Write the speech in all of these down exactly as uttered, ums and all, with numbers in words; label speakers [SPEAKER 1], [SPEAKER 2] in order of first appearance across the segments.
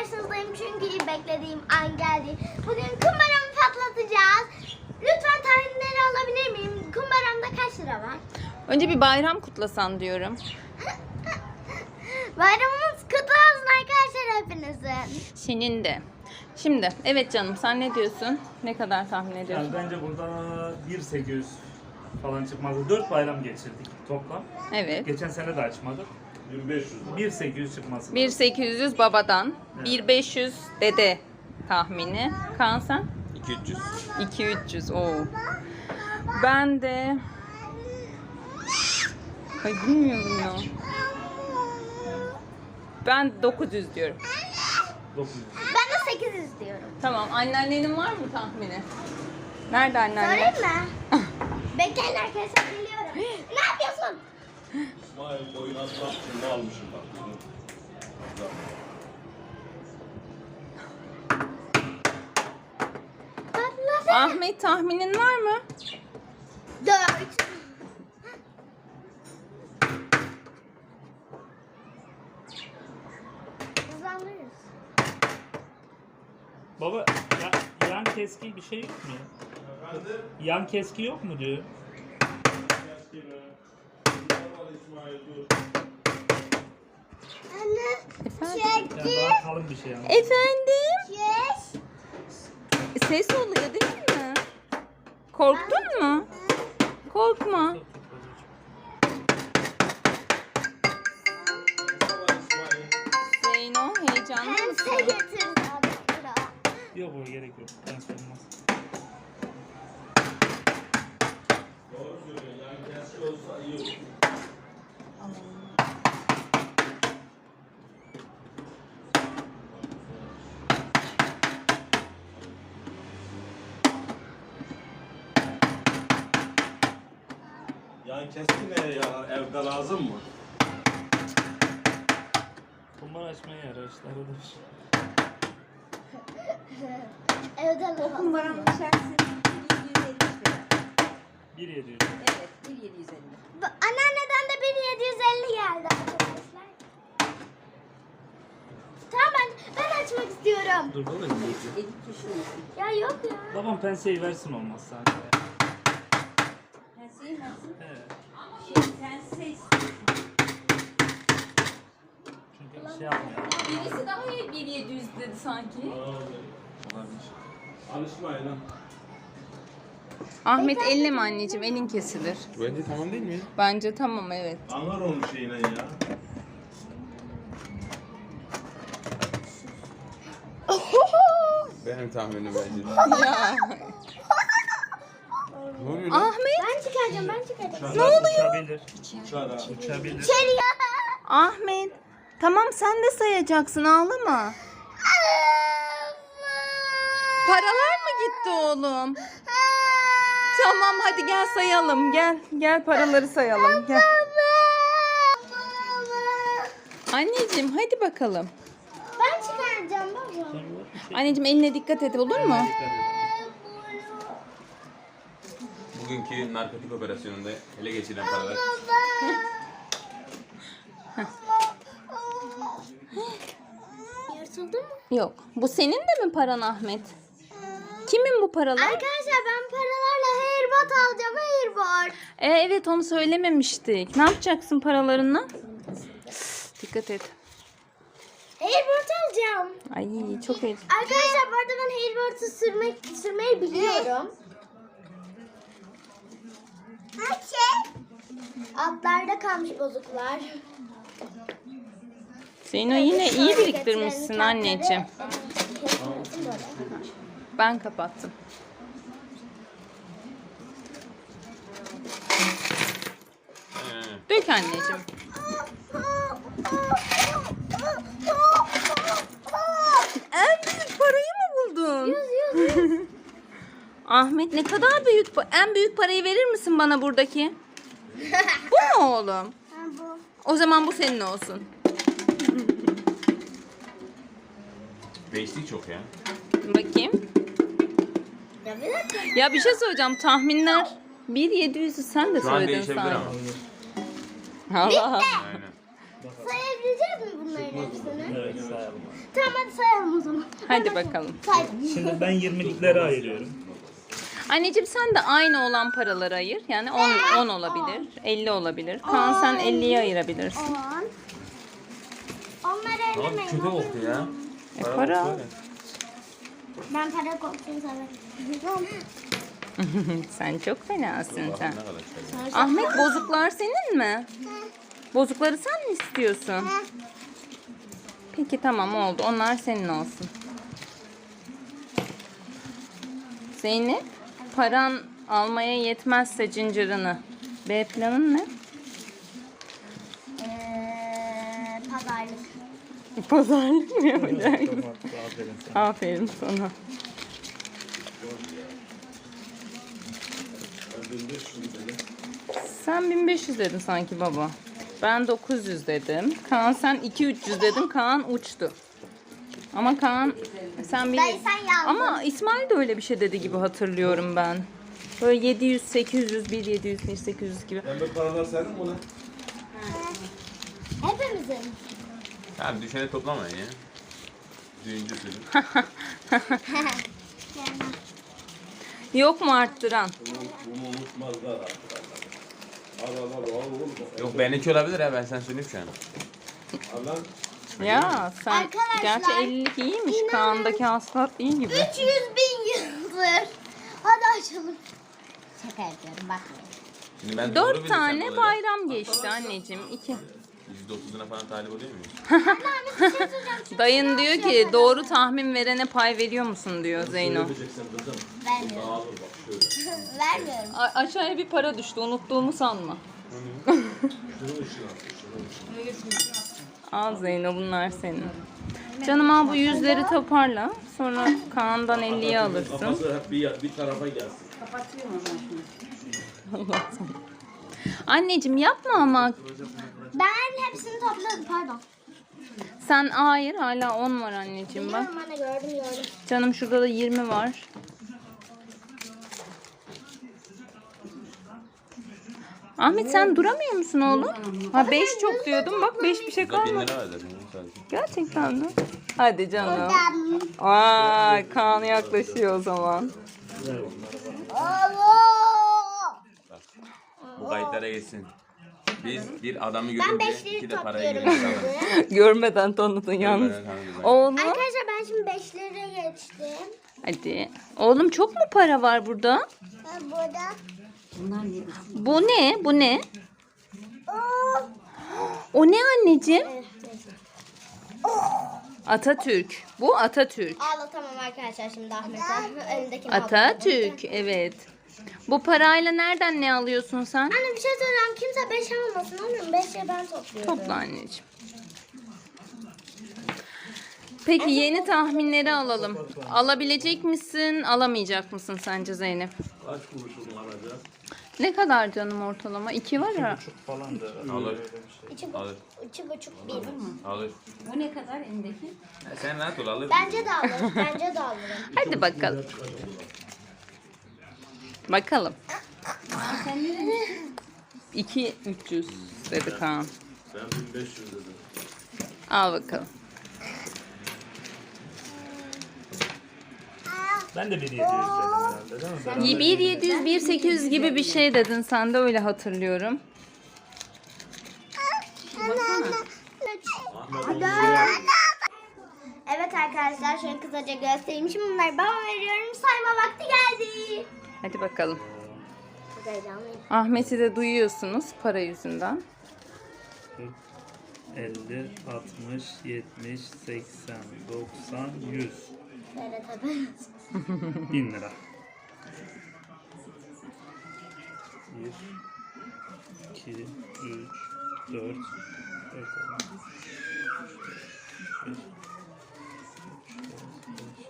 [SPEAKER 1] karşınızdayım çünkü beklediğim an geldi. Bugün kumbaramı patlatacağız. Lütfen tahminleri alabilir miyim? Kumbaramda kaç lira var?
[SPEAKER 2] Önce bir bayram kutlasan diyorum.
[SPEAKER 1] Bayramımız kutlu olsun arkadaşlar hepinizin.
[SPEAKER 2] Senin de. Şimdi evet canım, sen ne diyorsun? Ne kadar tahmin ediyorsun?
[SPEAKER 3] Yani bence burada bin sekiz yüz falan çıkmazdı. dört bayram geçirdik toplam.
[SPEAKER 2] Evet.
[SPEAKER 3] Geçen sene de açmadık.
[SPEAKER 4] bin beş yüz.
[SPEAKER 3] bin sekiz yüz çıkması.
[SPEAKER 2] bin sekiz yüz babadan,
[SPEAKER 3] Evet.
[SPEAKER 2] bin beş yüz dede tahmini. Kaan sen?
[SPEAKER 4] iki bin üç yüz.
[SPEAKER 2] iki bin üç yüz. Oo. Ben de... Ay bilmiyorum ya. Ben dokuz yüz diyorum.
[SPEAKER 3] dokuz yüz.
[SPEAKER 1] Ben de sekiz yüz diyorum.
[SPEAKER 2] Tamam. Anneannenin var mı tahmini? Nerede anneanne?
[SPEAKER 1] Sorayım mı? Bekleyin arkadaşlar geliyorum. Ne yapıyorsun?
[SPEAKER 4] İsmail oyun atmak için ne almışım bak.
[SPEAKER 1] Patlasın.
[SPEAKER 2] Ahmet, tahminin var mı?
[SPEAKER 1] Dört. Hızlandırırız.
[SPEAKER 3] Baba ya, yan keski bir şey yok mu ya?
[SPEAKER 4] Efendim?
[SPEAKER 3] Yan keski yok mu diyor.
[SPEAKER 4] İsmail dur.
[SPEAKER 1] Anne.
[SPEAKER 2] Efendim?
[SPEAKER 3] Yani daha kalın bir şey ama.
[SPEAKER 2] Efendim?
[SPEAKER 1] Yes.
[SPEAKER 2] Ses oluyor değil mi? Korktun mu? Korkma. Zeyno, heyecanlı
[SPEAKER 1] Pense
[SPEAKER 2] mısın?
[SPEAKER 1] getirdi adamlara.
[SPEAKER 3] Yok o gerek yok. Ben sormaz.
[SPEAKER 4] Doğru söylüyorsun. Yani keski olsa iyi olur. Yani keski ne ya? Evde lazım mı?
[SPEAKER 3] Kumbara açmaya yarar işte arada.
[SPEAKER 1] Evde lazım.
[SPEAKER 5] Kumbaranın içerisi bin yedi yüz elli lira.
[SPEAKER 3] bin yedi yüz.
[SPEAKER 5] Evet, bin yedi yüz elli.
[SPEAKER 1] Bu- Anneanneden de bin yedi yüz elli geldi arkadaşlar. Tamam ben, ben açmak istiyorum.
[SPEAKER 3] Dur baba.
[SPEAKER 5] Elli kişi.
[SPEAKER 1] Ya yok ya.
[SPEAKER 3] Babam penseyi versin olmazsa. Hadi.
[SPEAKER 5] Penseyi nasıl?
[SPEAKER 3] Evet.
[SPEAKER 5] Şey, pense istiyorsun.
[SPEAKER 3] Çünkü şey yapmıyor.
[SPEAKER 2] Birisi daha iyi bin yedi yüz dedi sanki.
[SPEAKER 4] Olabilir. Alışmayın ha.
[SPEAKER 2] Ahmet elleme anneciğim, elin kesilir.
[SPEAKER 4] Bence tamam değil mi?
[SPEAKER 2] Bence tamam, evet.
[SPEAKER 4] Anlar onun şeyine ya. Benim tahminim bence.
[SPEAKER 2] Ya.
[SPEAKER 4] Ne oluyor lan?
[SPEAKER 2] Ahmet,
[SPEAKER 1] Ben çıkaracağım ben çıkaracağım.
[SPEAKER 3] Ne oluyor? Uçabilir.
[SPEAKER 4] Uçar ha.
[SPEAKER 3] Uçabilir.
[SPEAKER 1] İçeri ya.
[SPEAKER 2] Ahmet. Tamam, sen de sayacaksın, ağlama. Paralar mı gitti oğlum? Tamam, hadi gel sayalım. Gel, gel paraları sayalım. Gel. Anneciğim hadi bakalım.
[SPEAKER 1] Ben çıkaracağım baba.
[SPEAKER 2] Anneciğim eline dikkat et, olur mu?
[SPEAKER 4] Bugünkü narkotik operasyonunda ele geçirilen paralar.
[SPEAKER 1] Yırtıldı mı?
[SPEAKER 2] Yok. Bu senin de mi paran Ahmet? Kimin bu paralar?
[SPEAKER 1] Arkadaşlar ben paralarla airbot alacağım airbot.
[SPEAKER 2] E, evet, onu söylememiştik. Ne yapacaksın paralarınla? Dikkat et.
[SPEAKER 1] Airbot alacağım.
[SPEAKER 2] Ay çok heyecan.
[SPEAKER 1] Arkadaşlar bu arada ben airbot'u sürmek, sürmeyi biliyorum. Altlarda kalmış bozuklar.
[SPEAKER 2] Zeyno yine iyi biriktirmişsin anneciğim. Ben kapattım. Dök anneciğim. En büyük parayı mı buldun? Ahmet, ne kadar büyük pa- en büyük parayı verir misin bana buradaki? Bu mu oğlum?
[SPEAKER 1] Bu.
[SPEAKER 2] O zaman bu senin olsun.
[SPEAKER 4] Değiştik çok ya.
[SPEAKER 2] Bakayım.
[SPEAKER 1] Ya bir dakika.
[SPEAKER 2] Ya bir şey söyleyeceğim. Tahminler bin yedi yüz'ü sen de
[SPEAKER 4] Şu an
[SPEAKER 2] söyledin
[SPEAKER 4] değişebilir
[SPEAKER 2] sanki.
[SPEAKER 4] ama.
[SPEAKER 2] Allah.
[SPEAKER 4] Aynen.
[SPEAKER 1] Sayabilecek mi bunların hepsini?
[SPEAKER 3] Evet sayalım.
[SPEAKER 1] Tamam hadi sayalım o zaman.
[SPEAKER 2] Hadi bakalım.
[SPEAKER 1] Saydım.
[SPEAKER 3] Şimdi ben yirmiliklere ayırıyorum.
[SPEAKER 2] Anneciğim sen de aynı olan paraları ayır. Yani on, on olabilir, elli olabilir. Kaan sen elliyi ayırabilirsin.
[SPEAKER 1] on. Onları
[SPEAKER 4] Abi
[SPEAKER 1] ellemeyin.
[SPEAKER 4] kötü
[SPEAKER 1] olur
[SPEAKER 4] oldu
[SPEAKER 1] mu?
[SPEAKER 4] ya.
[SPEAKER 2] E, para.
[SPEAKER 4] böyle.
[SPEAKER 1] Ben para korkusunu severim.
[SPEAKER 2] Sen çok fenasın sen.
[SPEAKER 4] Ne kadar şey.
[SPEAKER 2] Ahmet bozuklar senin mi? Bozukları sen mi istiyorsun? Peki tamam oldu. Onlar senin olsun. Zeynep, paran almaya yetmezse cincirını. B planın ne?
[SPEAKER 1] Eee pazarlık.
[SPEAKER 2] Pazarlık mı yapacaksın?
[SPEAKER 3] Tamam, aferin sana.
[SPEAKER 2] Aferin sana. Sen bin beş yüz dedin sanki baba. Ben dokuz yüz dedim. Kaan sen iki üç yüz dedin. Kaan uçtu. Ama Kaan sen bir...
[SPEAKER 1] Dayı sen yazdın.
[SPEAKER 2] Ama İsmail de öyle bir şey dedi gibi hatırlıyorum ben. Böyle yedi yüz, sekiz yüz, bir yedi yüz, bir sekiz yüz gibi.
[SPEAKER 6] Pembe paralar senin mi ulan?
[SPEAKER 1] Hepimizin.
[SPEAKER 4] Tamam düşeni toplamayın ya. Düğüncü sürün.
[SPEAKER 2] Yok mu arttıran?
[SPEAKER 6] Bunu unutmazlar arkadaşlar. Al al al al oğlum.
[SPEAKER 4] Yok benimki olabilir ha ben sen söyleyeyim şu an.
[SPEAKER 6] Al lan.
[SPEAKER 2] Ya sen
[SPEAKER 1] Arkadaşlar,
[SPEAKER 2] gerçi ellilik iyiymiş. Kaan'daki hasılat iyi gibi.
[SPEAKER 1] üç yüz bin yıldır. Hadi açalım. Şaka yapıyorum bakmayın.
[SPEAKER 4] Şimdi ben doğru
[SPEAKER 2] Dört
[SPEAKER 4] bilirsem
[SPEAKER 2] tane
[SPEAKER 4] olacak.
[SPEAKER 2] bayram geçti anneciğim. İki.
[SPEAKER 4] yüzde otuzuna falan talip oluyor muyuz?
[SPEAKER 2] Dayın diyor ki doğru tahmin verene pay veriyor musun diyor Zeyno.
[SPEAKER 6] Vereceksin kızım.
[SPEAKER 1] Vermiyorum.
[SPEAKER 6] Dağılır bak şöyle.
[SPEAKER 1] Vermiyorum.
[SPEAKER 2] A- aşağıya bir para düştü unuttuğumu sanma.
[SPEAKER 6] Şunu ışığı at. Şunu ışığı.
[SPEAKER 2] Al Zeyno bunlar senin. Canım al bu yüzleri toparla. Sonra Kaan'dan elliyi alırsın.
[SPEAKER 6] Kafası hep bir, bir tarafa gelsin.
[SPEAKER 5] Kapatıyorum o zaman şunu.
[SPEAKER 2] Anneciğim yapma ama.
[SPEAKER 1] Ben hepsini topladım pardon.
[SPEAKER 2] Sen hayır hala on var anneciğim bak.
[SPEAKER 1] Biliyorum anne gördüm gördüm.
[SPEAKER 2] Canım şurada da yirmi var. Ahmet sen duramıyor musun oğlum? Ha beş çok diyordum. Bak beş bir şey
[SPEAKER 4] Burada bin
[SPEAKER 2] kalmadı.
[SPEAKER 4] lira var zaten sadece.
[SPEAKER 2] Gerçekten mi? Hadi canım.
[SPEAKER 1] Ben.
[SPEAKER 2] Vay Kaan yaklaşıyor o zaman.
[SPEAKER 3] Ver onları bana.
[SPEAKER 1] Allah.
[SPEAKER 4] Bak. Bu kayıtlara geçsin. Biz bir adamı
[SPEAKER 1] Ben
[SPEAKER 4] görünce
[SPEAKER 1] beşleri
[SPEAKER 4] iki de parayı
[SPEAKER 1] topluyorum
[SPEAKER 4] görünce
[SPEAKER 1] şimdi.
[SPEAKER 2] Görmeden tanıdın yalnız. Oğlum.
[SPEAKER 1] Arkadaşlar ben şimdi beşlere geçtim.
[SPEAKER 2] Hadi. Oğlum çok mu para var burada?
[SPEAKER 1] Ben burada.
[SPEAKER 5] Bunlar ne?
[SPEAKER 2] Bu ne? Bu ne?
[SPEAKER 1] Oh.
[SPEAKER 2] O ne anneciğim?
[SPEAKER 1] Evet, neyse.
[SPEAKER 2] Atatürk. Bu Atatürk.
[SPEAKER 1] Ağlatamam arkadaşlar şimdi Ahmet'e. Önündekini
[SPEAKER 2] Atatürk. Evet. Bu parayla nereden ne alıyorsun sen?
[SPEAKER 1] Anne bir şey söyleyeceğim. Kimse beş almasın. Annem beşe ben topluyorum.
[SPEAKER 2] Topla anneciğim. Peki yeni tahminleri alalım. Alabilecek misin, alamayacak mısın sence Zeynep?
[SPEAKER 6] Kaç kuruşunu alacağız?
[SPEAKER 2] Ne kadar canım ortalama? İki var ya.
[SPEAKER 3] Buçuk falan da.
[SPEAKER 4] Alır.
[SPEAKER 3] Öyle bir şey.
[SPEAKER 1] İki,
[SPEAKER 4] Alır.
[SPEAKER 1] bu, iki buçuk bir.
[SPEAKER 4] Alır.
[SPEAKER 5] O ne kadar elindeki?
[SPEAKER 4] Ha, sen rahat ol alır.
[SPEAKER 1] Bence de alırım. Bence de alırım.
[SPEAKER 2] Hadi bakalım. Bakalım.
[SPEAKER 5] Sen ne dedin?
[SPEAKER 2] iki üç yüz dedi Kaan.
[SPEAKER 6] Ben bin beş yüz dedim.
[SPEAKER 2] Al bakalım.
[SPEAKER 3] Ben de bir yedi yüz dedim herhalde değil mi? Beraber
[SPEAKER 2] bir yedi yüz, bir sekiz yüz gibi bir şey dedin sen de öyle hatırlıyorum.
[SPEAKER 1] Evet arkadaşlar şöyle kısaca göstereyim. Şimdi bunları bana veriyorum. Sayma vakti geldi.
[SPEAKER 2] Hadi bakalım.
[SPEAKER 1] Çok heyecanlıyım.
[SPEAKER 2] Ahmet'i de duyuyorsunuz para yüzünden.
[SPEAKER 3] elli, altmış, yetmiş, seksen, doksan, yüz.
[SPEAKER 1] Böyle tabii.
[SPEAKER 3] bin lira. bir, iki, üç, dört, dört tane. beş, üç, dört, beş.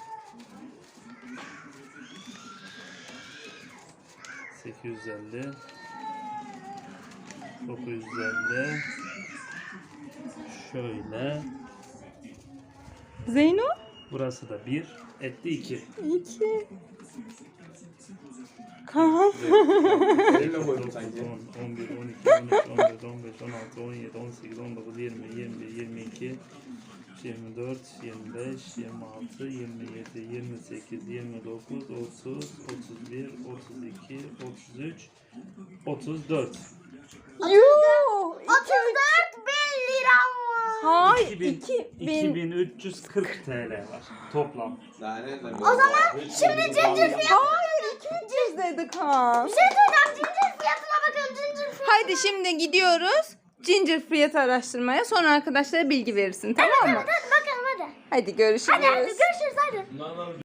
[SPEAKER 3] sekiz yüz elli, dokuz yüz elli, şöyle,
[SPEAKER 2] Zeyno?
[SPEAKER 3] burası da bir, etti iki.
[SPEAKER 2] iki. Kaan.
[SPEAKER 6] Elimle koydum sanki.
[SPEAKER 3] on, on bir, on iki, on üç, on dört, on beş, beş, on altı, on yedi, on sekiz, on dokuz, yirmi, yirmi bir, yirmi iki, yirmi dört, yirmi beş, yirmi altı, yirmi yedi, yirmi sekiz, yirmi dokuz, otuz, otuz bir, otuz iki, otuz üç, otuz dört.
[SPEAKER 2] Yuh!
[SPEAKER 1] otuz dört bin lira mı?
[SPEAKER 2] Hayır,
[SPEAKER 3] iki bin,
[SPEAKER 2] iki bin.
[SPEAKER 3] iki bin üç yüz kırk T L var toplam.
[SPEAKER 6] O zaman
[SPEAKER 1] Şimdi cincir fiyatı.
[SPEAKER 2] Hayır, iki bin üç yüz dedi Kaan.
[SPEAKER 1] Bir şey söyleyeceğim. Cincir fiyatına bakın. Cincir fiyatı.
[SPEAKER 2] Haydi şimdi gidiyoruz Ginger fiyatı araştırmaya. Sonra arkadaşlara bilgi verirsin, tamam mı?
[SPEAKER 1] Hadi bakalım hadi.
[SPEAKER 2] Hadi görüşürüz.
[SPEAKER 1] Hadi hadi görüşürüz hadi.
[SPEAKER 6] Bunlardan